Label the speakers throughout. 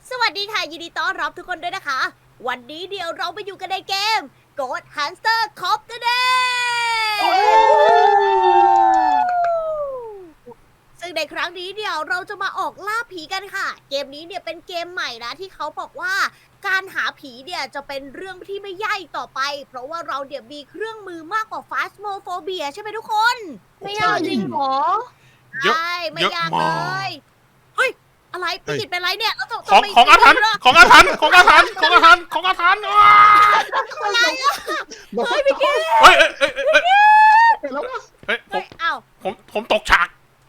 Speaker 1: สวัสดีค่ะยินดีต้อนรับทุกคนด้วยนะคะ วันนี้เดี๋ยวเราไปอยู่กันในเกม Ghost Hunter Cop the Day ซึ่งในครั้งนี้เดี๋ยวเราจะมาออกล่าผีกันค่ะ เกมนี้เนี่ยเป็นเกมใหม่นะที่เขาบอกว่าการหาผีเนี่ยจะเป็นเรื่องที่ไม่ยากอีกต่อไป เพราะว่าเราเดี๋ยวมีเครื่องมือมากกว่า Phasmophobia ใช่ไหมทุกคน
Speaker 2: ไม่ยากจริงเหรอ
Speaker 3: เยอะ
Speaker 1: ใช่ไม่
Speaker 3: เยอะ
Speaker 1: ยาก
Speaker 3: มา
Speaker 1: เล
Speaker 3: ก
Speaker 1: ย เฮ้ย อะไรพี่กิตเป็นไรเนี่ยแล้ว
Speaker 3: ของอาถรรพ์ของอาถรรพ์ของอาถรรพ์ของอาถรรพ์ของอาถรรพ์อ้า
Speaker 1: อะไรอะ
Speaker 2: เฮ้ยพี่กิ๊ก
Speaker 3: เฮ้ยเฮ้ยเฮ้ย
Speaker 2: แล้วก็
Speaker 3: เฮ้ย
Speaker 1: เฮ้ยอ้าว
Speaker 3: ผมตกฉาก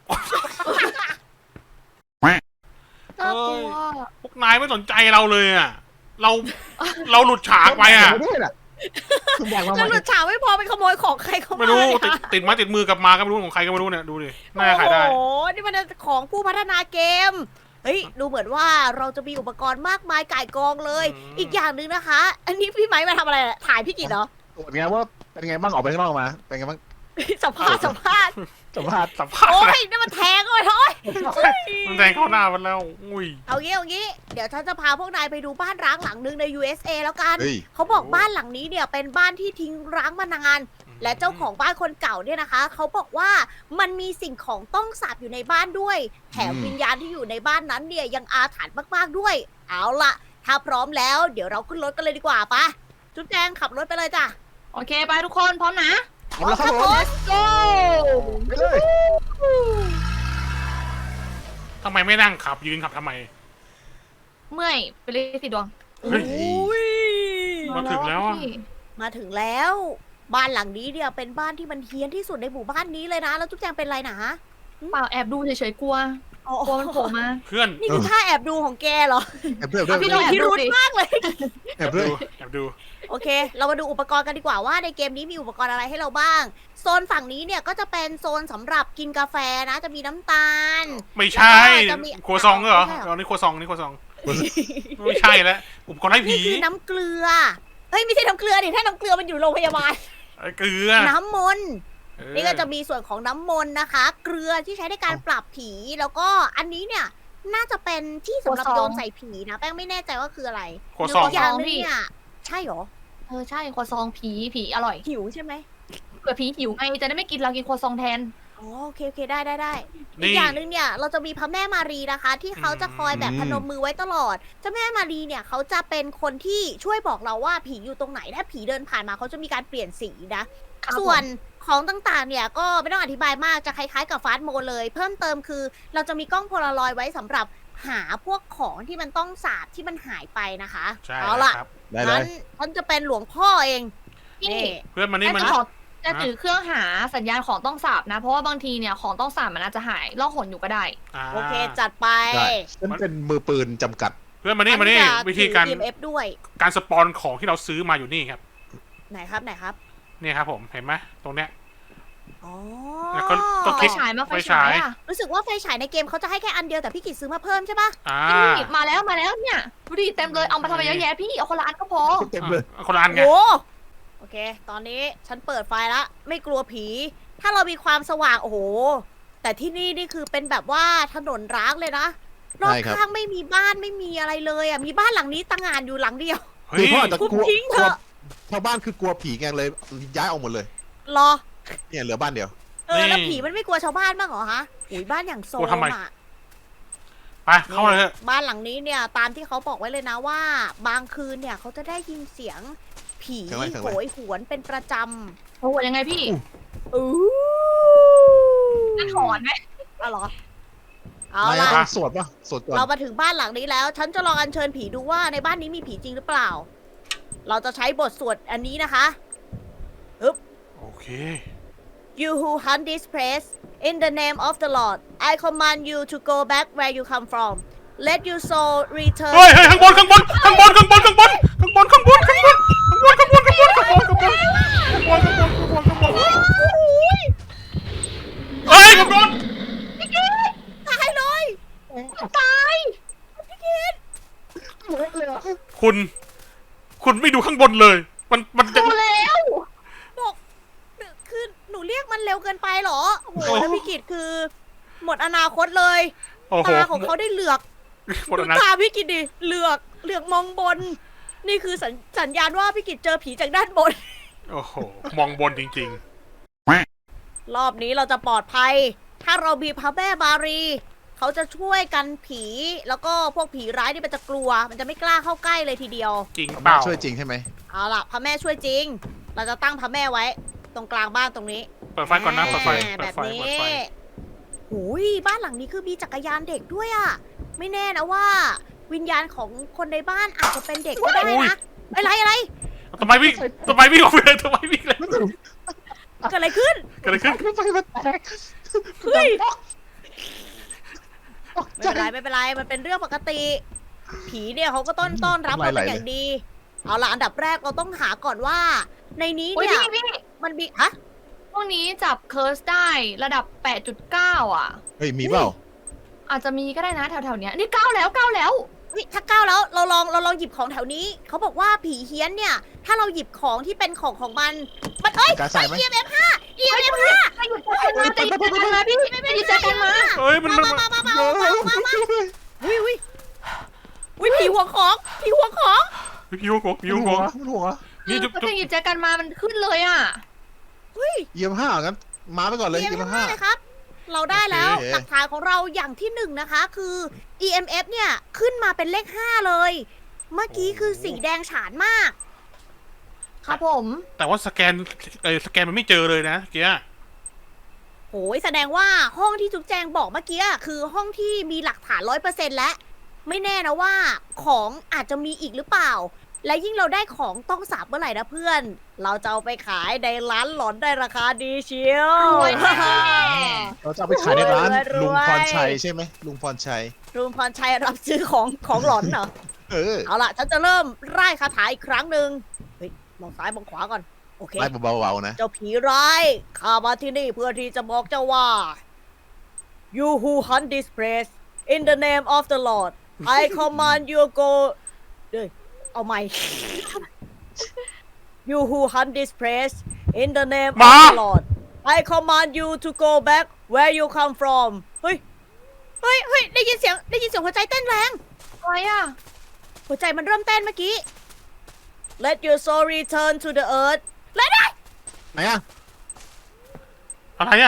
Speaker 2: น่ากลัว
Speaker 3: พวกนายไม่สนใจเราเลยอ่ะเราหลุดฉากไปอ่ะ
Speaker 2: คุณบอกมา
Speaker 1: แล้วหลุดฉากไม่พอไปขโมยของใครเข้ามา
Speaker 3: ไม่รู้
Speaker 1: เนี่ย
Speaker 3: ติดไม้ติดมือกลับมาก็ไม่รู้ของใครก็ไม่รู้เนี่ยดูดิน่าขายได้
Speaker 1: โอ้โห นี่มันของผู้พัฒนาเกม เฮ้ย ดูเหมือนว่าเราจะมีอุปกรณ์มากมายก่ายกองเลย อีกอย่างหนึ่งนะคะ อันนี้พี่ไม้มาทำอะไรอะถ่ายพี่กิตเหรอ
Speaker 2: ตรวจไงว่าเป็นไงบ้างออกไปข้างนอกมาเป็นไงบ้าง
Speaker 1: สัมภาษณ์
Speaker 2: สัมภาษณ์
Speaker 3: สัมภาษณ์
Speaker 1: โอ้
Speaker 3: อะไร
Speaker 1: ยนี่มันแทงเลยท้อย
Speaker 3: มันแทงเข้าหน้ามันแล้วอุ้ย
Speaker 1: เอางี้ เดี๋ยวฉันจะพาพวกนายไปดูบ้านร้างหลังหนึ่งใน USA แล้วกัน
Speaker 2: เฮ้ย
Speaker 1: เขาบอกบ้านหลังนี้เนี่ยเป็นบ้านที่ทิ้งร้างมานาน และเจ้าของบ้านคนเก่าเนี่ยนะคะ เขาบอกว่ามันมีสิ่งของต้องสาบอยู่ในบ้านด้วย แถมวิญญาณที่อยู่ในบ้านนั้นเนี่ยยังอาถรรพ์มากๆด้วย เอาล่ะ ถ้าพร้อมแล้วเดี๋ยวเราขึ้นรถกันเลยดีกว่าปะจุ๊บแจงขับรถไปเลยจ้ะ
Speaker 4: โอเคไปทุกคนพร้อมนะ
Speaker 2: เอาละครับผม
Speaker 1: let's go
Speaker 2: ไปเลย
Speaker 3: ทำไมไม่นั่งขับยืนขับทำไม
Speaker 4: เมื่อยไปเลยสิดวง
Speaker 3: เฮ้ย
Speaker 1: อุ้ย
Speaker 3: มาถึงแล้วอะ
Speaker 4: พี่
Speaker 1: มาถึงแล้ว บ้านหลังนี้เนี่ยเป็นบ้านที่มันเฮี้ยนที่สุดในหมู่บ้านนี้เลยนะ แล้วจุ๊บแจงเป็นไรนะ
Speaker 4: เปล่าแอบดูเฉยๆกลัว
Speaker 1: อ๋อก
Speaker 4: ลัวมันโผล่มา
Speaker 3: เพื่อน
Speaker 1: นี่คือท่าแอบดูของแกเหรอ
Speaker 2: แอบเพื่อนแอบ
Speaker 4: พี่
Speaker 2: เพื่
Speaker 4: ล
Speaker 2: อ
Speaker 4: อง
Speaker 2: น
Speaker 4: แอบ
Speaker 1: พิรุธมากเลย
Speaker 2: แอบเพื่อน
Speaker 3: แอบดู
Speaker 1: โอเค เรามาดูอุปกรณ์กันดีกว่าว่าในเกมนี้มีอุปกรณ์อะไรให้เราบ้าง โซนฝั่งนี้เนี่ยก็จะเป็นโซนสำหรับกินกาแฟนะ จะมีน้ำตาล
Speaker 3: ไม่ใช่
Speaker 1: แล้วก็จะมี
Speaker 3: ครัวซองเหรอ
Speaker 1: ไม่ใช่เหรอ
Speaker 3: อ๋อนี่ครัวซองนี่ครัวซองไม่ใช่แล้วอุปกรณ์ให้ผี
Speaker 1: นี่คือน้ำเกลือ เฮ้ยไม่ใช่น้ำเกลือดิถ้าน้ำเกลือมันอยู่โรงพยาบาล
Speaker 3: ไอ้เกลือ
Speaker 1: น้ำมนต์
Speaker 3: เออ
Speaker 1: นี่ก็จะมีส่วนของน้ำมนต์นะคะ เกลือที่ใช้ในการปราบผี แล้วก็อันนี้เนี่ยน่าจะเป็นที่สำหรับโยนใส่ผีนะ แป้งไม่แน่ใจว่าคืออะไร
Speaker 3: ครัวซอง
Speaker 1: อีกอย่างหนึงเนี่ยใช่เหรอ
Speaker 4: ใช่ครัวซองผีอร่อย
Speaker 1: หิวใช่ไหม
Speaker 4: เผื่อผีหิวไงจะได้ไม่กินเรากินครัวซองแทน
Speaker 1: อ๋อโอเคได้อี
Speaker 3: นี่
Speaker 1: กอย่างหนึ่งเนี่ยเราจะมีพระแม่มารีนะคะ ที่เขาจะคอยแบบพนมมือไว้ตลอดเจ้าแม่มารีเนี่ยเขาจะเป็นคนที่ช่วยบอกเราว่าผีอยู่ตรงไหนถ้าผีเดินผ่านมาเขาจะมีการเปลี่ยนสีนะ
Speaker 4: ครับ
Speaker 1: ส่วนของต่างๆเนี่ยก็ไม่ต้องอธิบายมากจะคล้ายๆกับฟาสต์โมดเลย เพิ่มเติมคือเราจะมีกล้องโพลารอยด์ไว้สำหรับหาพวกของที่มันต้องสาบที่มันหายไปนะคะ
Speaker 3: ใช่
Speaker 1: เอาล่ะ
Speaker 3: ครับ
Speaker 2: ได้เล
Speaker 1: งั้
Speaker 2: ย
Speaker 1: นฉันจะเป็นหลวงพ่อเอง
Speaker 4: พี่
Speaker 1: นี่
Speaker 3: เพื่อนมานี่มา
Speaker 4: จะ
Speaker 3: นี่
Speaker 4: ขอจะถือเครื่องหาสัญญาณของต้องสาบนะ เพราะว่าบางทีเนี่ยของต้องสาบมันอาจจะหายล่องหนอยู่ก็ได้
Speaker 3: า
Speaker 1: โอเคจัดไป
Speaker 2: ได้ฉันเป็นมือปืนจำกัด
Speaker 3: เพื่อนมานี่มานี่
Speaker 1: ฉัจะ
Speaker 3: วิธีการ
Speaker 1: ถือ EMF ด้วย
Speaker 3: การสปอนของที่เราซื้อมาอยู่นี่ครับ
Speaker 1: ไหนครับ
Speaker 3: นี่ครับผมเห็นไหมตรงเนี้ย
Speaker 1: อ๋อ
Speaker 3: แล้วก็
Speaker 4: ไฟฉายมาไฟฉายอ่ะ
Speaker 1: รู้สึกว่าไฟฉายในเกมเขาจะให้แค่อันเดียวแต่พี่กิจซื้อมาเพิ่มใช่ปะ
Speaker 3: อ่า
Speaker 4: พี่มาแล้วเนี่ยดูดิเต็มเลยเอามาทำไมเยอะแยะพี่เอาคนละอันก็พอ
Speaker 2: เต็มเลย
Speaker 3: คนละอันไง
Speaker 1: โอ้โอเค ตอนนี้ฉันเปิดไฟละไม่กลัวผี ถ้าเรามีความสว่างโอ้โห แต่ที่นี่คือเป็นแบบว่าถนนร้างเลยนะรอบ
Speaker 2: ใช่ครับ
Speaker 1: ข้างไม่มีบ้านไม่มีอะไรเลยอ่ะมีบ้านหลังนี้ตั้งงานอยู่หลังเดียว
Speaker 3: เฮ้
Speaker 2: คือย พ่ออาจจะ
Speaker 1: ทุบ
Speaker 2: กลัว
Speaker 1: ทิ้งเถอะ
Speaker 2: ชาวบ้านคือกลัวผีไงเลยย้ายออกหมดเลย
Speaker 1: รอ
Speaker 2: เนี่ยเหลือบ้านเดียว
Speaker 1: แล้วผีมันไม่กลัวชาวบ้านบ้างเหรอฮะอุ้ยบ้านอย่างโซมอ่ะ
Speaker 3: ไปเข้าเลยเถอะ
Speaker 1: บ้านหลังนี้เนี่ยตามที่เขาบอกไว้เลยนะว่า บางคืนเนี่ยเขาจะได้ยินเสียงผี
Speaker 2: เสียงอะไรเสียง
Speaker 1: โห
Speaker 2: อะไร
Speaker 1: ยหวนเป็นประจ
Speaker 4: โอ้โหยังไงพี่
Speaker 1: ำอู้
Speaker 4: นั่นหอนไหม
Speaker 1: เอาเหรอเอา
Speaker 2: อะไร
Speaker 1: ล่ะ
Speaker 2: อะสวดป่ะสวดก่อน
Speaker 1: เรามาถึงบ้านหลังนี้แล้ว ฉันจะลองอัญเชิญผีดูว่าในบ้านนี้มีผีจริงหรือเปล่า เราจะใช้บทสวดอันนี้นะคะ
Speaker 3: โอเค
Speaker 1: You who hunt this place in the name of the Lord I command you to go back where you come from Let your soul return
Speaker 3: เฮ้ยเฮ้ยข้างบนข้างบนข้างบนข้างบนข้างบนข้างบนข้างบนข้างบนข้างบนข้างบนข้างบนข้างบนข้างบนข้างบนข้างบนข้างบนเฮ้ยข้างบน
Speaker 1: ตายเลย
Speaker 3: คุณไม่ดูข้างบนเลย มันจะ
Speaker 4: ดูแล้ว
Speaker 1: บอกคือหนูเรียกมันเร็วเกินไปเหรอโอ้โห
Speaker 3: โอ้
Speaker 1: แล้วพี่กิตคือ หมดอนาคตเลย
Speaker 3: โอ้โห
Speaker 1: ตาของเขาได้เหลือก
Speaker 3: หมด
Speaker 1: ดู
Speaker 3: แล้วนะ
Speaker 1: ตาพี่กิตดิเหลือกมองบน นี่คือสัญญาณว่าพี่กิตเจอผีจากด้านบน
Speaker 3: โอ้โหมองบนจริง
Speaker 1: รอบนี้เราจะปลอดภัย ถ้าเรามีพระแม่มารี เขาจะช่วยกันผี แล้วก็พวกผีร้ายนี่มันจะกลัว มันจะไม่กล้าเข้าใกล้เลยทีเดียว
Speaker 3: ๆ จริงเป
Speaker 2: มา
Speaker 3: ล่า
Speaker 2: ช่วยจริงใช่ไหม
Speaker 1: เอาล่ะพระแม่ช่วยจริง เราจะตั้งพระแม่ไว้ ตรงกลางบ้านตรงนี้
Speaker 3: เปิดไฟก่อนนะเปิดไฟ
Speaker 1: แบ
Speaker 3: เปิด
Speaker 1: บ
Speaker 3: ไฟ
Speaker 1: นี้
Speaker 3: เปิดไฟ
Speaker 1: หูยบ้านหลังนี้คือมีจักรยานเด็กด้วยอะไม่แน่นะว่า วิญญาณของคนในบ้านอาจจะเป็นเด็กก็ได้นะ อะไร
Speaker 3: ทำไมวิ่งออกไปเลยทำไมวิ่งเลย
Speaker 1: เกิดอะไรขึ้น
Speaker 3: เกิดอะไรขึ้น
Speaker 2: ไฟมันแตก
Speaker 1: เฮ้ย
Speaker 2: ตก
Speaker 1: ไม่
Speaker 2: ใจ
Speaker 1: เป็นไรมันเป็นเรื่องปกติ ผีเนี่ยเขาก็ต้อนรับเราเป็นอย่างดี เอาล่ะอันดับแรกเราต้องหาก่อนว่า ในนี้
Speaker 4: โอ้ย
Speaker 1: เนี่ย
Speaker 4: พี่
Speaker 1: มันมีฮะ
Speaker 4: พวกนี้จับเคิร์สได้ระดับ 8.9 อ่ะ
Speaker 2: เฮ้ยมีเปล่า
Speaker 4: อาจจะมีก็ได้นะแถวๆเนี้ยนี่9แล้ว
Speaker 1: เฮ้ยถ้าก้าวแล้วเราลองหยิบของแถวนี้ เขาบอกว่าผีเฮี้ยนเนี่ย ถ้าเราหยิบของที่เป็นของมันเอ้ย
Speaker 2: กาใส่ไหม
Speaker 1: EMF 5 EMF 5
Speaker 4: จะหยุดเจอกันมาจะหยุดเจอกันมาพี่จะหยุดเจอกันมา
Speaker 3: เฮ้ยมัน
Speaker 1: มาอุ้ยผีหัวของผีหัวของ
Speaker 3: พี่วงก
Speaker 2: มีหัวมันหัว
Speaker 3: นี่จุ๊บ
Speaker 4: ก็จะหยุดเจอกันมามันขึ้นเลยอ่ะ
Speaker 2: เยี่ยมห้างั้นมาไปก่อนเลย
Speaker 1: EMF
Speaker 2: เยี่ยมห้า
Speaker 1: 5เลยครับ เราได้แล้ว
Speaker 2: โอเค
Speaker 1: หลักฐานของเราอย่างที่หนึ่งนะคะคือ EMF เนี่ยขึ้นมาเป็นเลข 5 เลย เมื่อกี้คือสีแดงฉานมาก
Speaker 4: ครับผม
Speaker 3: แต่ว่าสแกนมันไม่เจอเลยนะเกียร์
Speaker 1: โหยแสดงว่าห้องที่จุ๊บแจงบอกเมื่อกี้อะคือห้องที่มีหลักฐาน100%แล้ว ไม่แน่นะว่าของอาจจะมีอีกหรือเปล่า และยิ่งเราได้ของต้องสาบเมื่อไหร่นะเพื่อน เราจะเอาไปขายในร้านหลอนได้ราคาดีเชียว
Speaker 4: รวยแน่
Speaker 2: เราจะเอาไปขายในร้าน
Speaker 1: รวย
Speaker 2: ลุงพรชัยใช่ไหมลุงพรชัย
Speaker 1: ลุงพรชัยรับซื้อของหลอนเหรอ
Speaker 2: เออ
Speaker 1: เอาล่ะฉันจะเริ่มไล่คาถาอีกครั้งหนึ่งเฮ้ยมองซ้ายมองขวาก่อน โอเค
Speaker 2: ไล่เบาๆนะ
Speaker 1: เจ้าผีร้ายข้ามาที่นี่เพื่อที่จะบอกเจ้าว่า You who hunt this place in the name of the Lord I command you go เดี๋ยวเอาใหม่ You who hunt this place in the name of the Lord I command you to go back where you come from เฮ้ยได้ยินเสียงหัวใจเต้นแรง
Speaker 4: อะไรอ่ะ
Speaker 1: หัวใจมันเริ่มเต้นเมื่อกี้ Let your soul return to the earth เลยได้
Speaker 2: ไหนอะ
Speaker 3: อะไรอ่ะ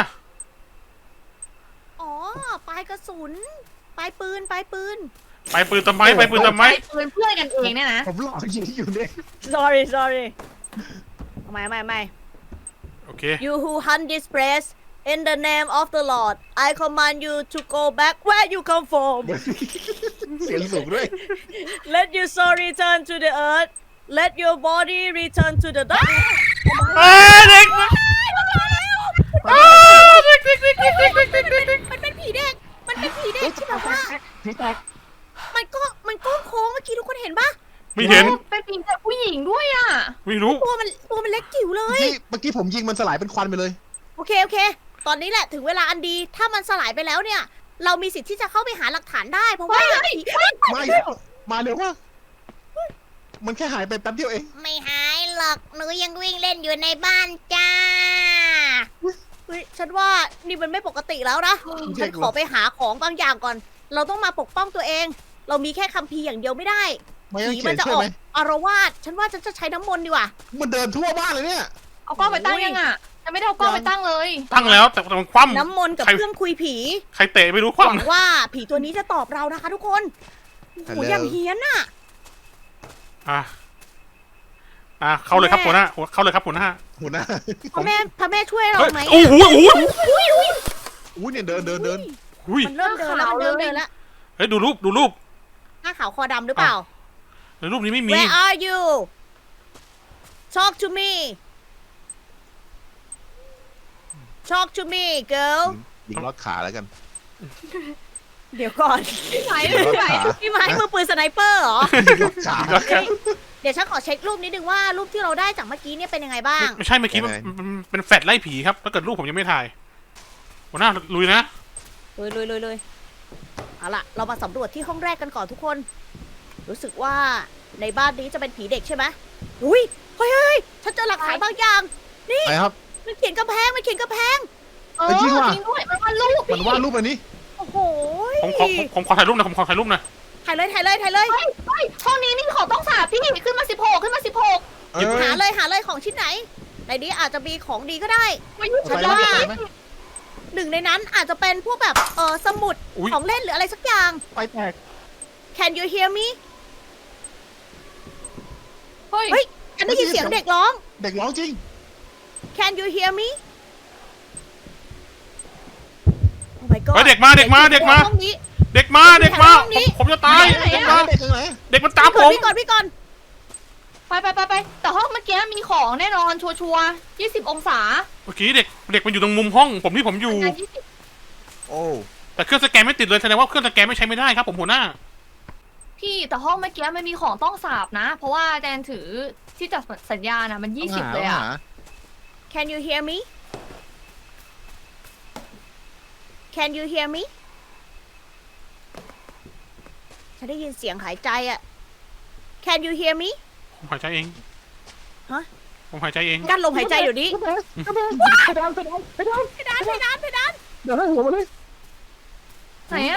Speaker 1: อ๋อ ปลายกระสุน ปลายปืน
Speaker 3: ไปปืนทำไม
Speaker 4: ปืนเพื่อนกันเองเนี่ยนะ
Speaker 2: ผมหลอกยิงอยู่เนี่ย
Speaker 1: sorry ไม่
Speaker 3: โอเค
Speaker 1: You who hunt this place in the name of the Lord I command you to go back where you come from
Speaker 2: เสียงสูงด้วย
Speaker 1: Let your soul return to the earth Let your body return to the dust
Speaker 3: เฮ้ยเด็ก
Speaker 1: มันเป็นผีเด็ก ที่แบบว่า
Speaker 2: พี่แตก
Speaker 1: มันก้โค้งเมื่อกี้ทุกคนเห็นปะ
Speaker 3: ไม่เห็น
Speaker 4: เป็นผีแต่ผู้หญิงด้วยอ่ะ
Speaker 3: ไม่รู้
Speaker 1: ตัวมันเล็กจิ๋วเลย
Speaker 2: เมื่อกี้ผมยิงมันสลายเป็นควันไปเลย
Speaker 1: โอเค ตอนนี้แหละถึงเวลาอันดี ถ้ามันสลายไปแล้วเนี่ย เรามีสิทธิ์ที่จะเข้าไปหาหลักฐานได้ เพราะว่า
Speaker 2: ไม่มาเร็วว่ามันแค่หายไปแป๊บเดียวเอง
Speaker 1: ไม่หายหรอก หนูยังวิ่งเล่นอยู่ในบ้านจ้า เฮ้ย ฉันว่านี่มันไม่ปกติแล้วนะ ฉันขอไปหาของบางอย่างก่อน เราต้องมาปกป้องตัวเอง เรามีแค่คัมภีร์อย่างเดียวไม่ได้
Speaker 2: ไม่ต้อง
Speaker 1: ผี
Speaker 2: เขี
Speaker 1: มั
Speaker 2: ยน
Speaker 1: จะ
Speaker 2: ช่
Speaker 1: อ
Speaker 2: วย
Speaker 1: อก
Speaker 2: ไหม
Speaker 1: อารวาสฉันว่าฉันจะใช้น้ำมนต์ดีกว่า
Speaker 2: มันเดินทั่วบ้านเลยเนี่ย
Speaker 4: เอากล้องไปตั้งยังอ่ะยังไม่ได้เอากล้องไปตั้งเลย
Speaker 3: ตั้งแล้วแต่มันคว่ำ
Speaker 1: น้ำมนต์กับ
Speaker 3: ใคร
Speaker 1: เครื่องคุยผี
Speaker 3: ใครเตะไม่รู้ค
Speaker 1: หวัง
Speaker 3: ว่ำ
Speaker 1: ว่าผีตัวนี้จะตอบเรานะคะทุกคนโอ้โห
Speaker 2: Hello
Speaker 1: อย่างเฮี้ยนอะ
Speaker 3: เข้าเลยครับหัวหน้าเข้าเลยครับหัวหน้า
Speaker 2: หัวหน้า
Speaker 1: พระแม่ช่วยเรา
Speaker 3: เฮ้ย
Speaker 1: ไหม
Speaker 3: โอ้โห
Speaker 2: อุ้ยเนี่ยเดิน
Speaker 3: อุ้ย
Speaker 1: มันเริ่มเดินแล้วมันเริ่มเดินแล้ว
Speaker 3: เฮ้ยดูรูป
Speaker 1: หน้าขาวคอดำหรือเปล่า
Speaker 3: ในรูปนี้ไม่มี
Speaker 1: Where are you Talk to me Talk to me girl
Speaker 2: ยิงลอดขาแล้วกัน
Speaker 1: เดี๋ยวก่อน
Speaker 4: พี่ไหว
Speaker 2: ยิงลอด
Speaker 4: พี่ไหว
Speaker 2: ขา
Speaker 1: พี่ไม้มือปืนสไนเปอร์เหรอ
Speaker 2: ยิงลอดขา
Speaker 1: เฮ้ยเดี๋ยวฉันขอเช็ครูปนิดนึงว่ารูปที่เราได้จากเมื่อกี้เนี่ยเป็นยังไงบ้าง
Speaker 3: ไม่ใช่เมื่อกี้มันเป็นแฟลชไล่ผีครับถ้าเกิดรูปผมยังไม่ถ่ายหัวหน้าลุยนะ
Speaker 1: ลุยเอาล่ะ เรามาสำรวจที่ห้องแรกกันก่อนทุกคน รู้สึกว่าในบ้านนี้จะเป็นผีเด็กใช่ไหมอุ้ยเฮ้ยฉันเจอหลักฐานบางอย่าง
Speaker 2: ไหนครับ
Speaker 1: มันเขียนกำแพง
Speaker 4: เออ
Speaker 2: จ
Speaker 4: จ
Speaker 2: ริ
Speaker 4: ริ
Speaker 2: ง
Speaker 4: ง
Speaker 2: ว่ะ
Speaker 4: ด้วยมันวาดรูป
Speaker 2: มันวาดรูปอันนี้
Speaker 1: โอ้โห
Speaker 3: ผมขอถ่ายรูปหนะผมขอถ่ายรูปหนะ
Speaker 1: ถ่ายเลยถ่ายเลยถ่ายเลย
Speaker 4: เฮ้ยห้องนี้มีของต้องสาบพี่ขึ้นมา16ขึ้นมา16
Speaker 2: เออ
Speaker 1: หาเลยของชิ้นไหนในนี้อาจจะมีของดีก็ได้
Speaker 4: มายุ่ง
Speaker 2: ไป
Speaker 4: ฉัน
Speaker 2: ไหม
Speaker 4: ว่า
Speaker 2: ไปไหม
Speaker 1: หนึ่งในนั้นอาจจะเป็นพวกแบบสมุด
Speaker 3: อุ๊ย
Speaker 1: ของเล่นหรืออะไรสักอย่าง
Speaker 2: ไปแตก
Speaker 1: Can you hear me
Speaker 4: เฮ้ย
Speaker 1: เฮ้ย ฉันได้ยินเสียงเด็กร้อง
Speaker 2: เด็กร้องจริง
Speaker 1: Can you hear me Oh my god
Speaker 3: เฮ้ยเด็กมา
Speaker 1: ห้องนี้
Speaker 3: เด็กมา
Speaker 1: ห้องนี้
Speaker 3: ผมจะตาย
Speaker 4: ไหน
Speaker 3: เด็ก
Speaker 4: อะ
Speaker 3: มา
Speaker 2: เด็กตรงไหน
Speaker 3: เด็กมันตามผม
Speaker 1: พี่ก่อน
Speaker 4: ไปแต่ห้องเมื่อกี้มีของแน่นอนชัวร์20 องศา
Speaker 3: เมื่อกี้เด็กมันอยู่ตรงมุมห้องผมที่ผมอยู่
Speaker 4: งาน20
Speaker 2: โอ้
Speaker 3: แต่เครื่องสแกนไม่ติดเลยแสดงว่าเครื่องสแกนไม่ใช้ไม่ได้ครับผมหัวหน้า
Speaker 4: พี่แต่ห้องเมื่อกี้มันมีของต้องสาบนะ เพราะว่าแดนถือที่จับสัญญาณนะมัน20เลยอะ
Speaker 1: Can you hear me Can you hear me ฉันได้ยินเสียงหายใจอะ Can you hear me
Speaker 3: ผมหายใจเอง
Speaker 1: ฮะ
Speaker 3: ผมหายใจเอง
Speaker 1: กั้นลมหายใจเดี๋ยวนี้
Speaker 2: ไปดาน
Speaker 1: เพดาน
Speaker 2: เดี๋ยวให้หัวมาเลย
Speaker 4: ไหนอะ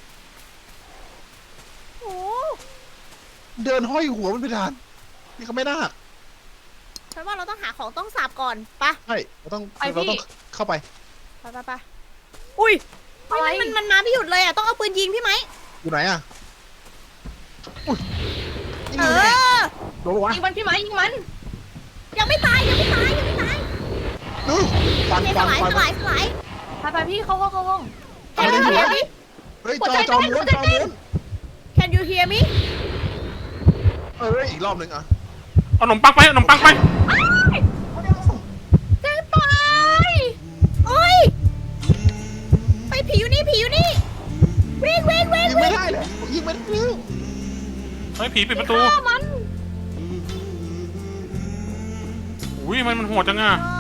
Speaker 1: โอ้
Speaker 2: เดินห้อยหัวมันไปดานนี่เขาไม่น่า
Speaker 1: ฉันว่าเราต้องหาของต้องสาบก่อนไปะ
Speaker 2: ใช่เราต้องเข้าไป
Speaker 1: ไปอุ้ย
Speaker 4: อะไร
Speaker 1: มันมาไม่หยุดเลยอ่ะต้องเอาปืนยิงพี่ไหม
Speaker 2: อยู่ไหนอ่ะอุ้ย
Speaker 1: เอ
Speaker 2: นี่ไง
Speaker 1: อ
Speaker 2: โดนปะวะ
Speaker 4: ยิงมันพี่ไหมยิงมัน
Speaker 1: ยังไม่ตาย
Speaker 2: ดูฟัน
Speaker 1: โอเค
Speaker 2: ฟั
Speaker 1: ส
Speaker 2: น
Speaker 1: ลาย
Speaker 2: ฟัน
Speaker 1: สลายสลาย
Speaker 4: ไปพี่เข้าห้อง
Speaker 1: Can you hear me
Speaker 2: เฮ้ย
Speaker 4: หัว
Speaker 2: จ
Speaker 4: ใจ
Speaker 2: อ
Speaker 4: เต้น
Speaker 2: ม้วน
Speaker 4: หัวใจ
Speaker 2: จอ
Speaker 4: เต้น
Speaker 2: ม้วน
Speaker 1: Can you hear me
Speaker 2: เอ้ยอีกรอบหนึ่งอ่ะ
Speaker 3: เอาขนมปังไป
Speaker 4: จะตาย
Speaker 1: โอ้ยไปผีอยู่นี่วิ่ง
Speaker 2: ยิงไม่ได้เลยยิงไม่ได้
Speaker 3: เฮ้ยผีปิดประตู
Speaker 4: ฆ่ามัน
Speaker 3: อุ้ยมันโหดจังอ่ะ
Speaker 1: อ๋อ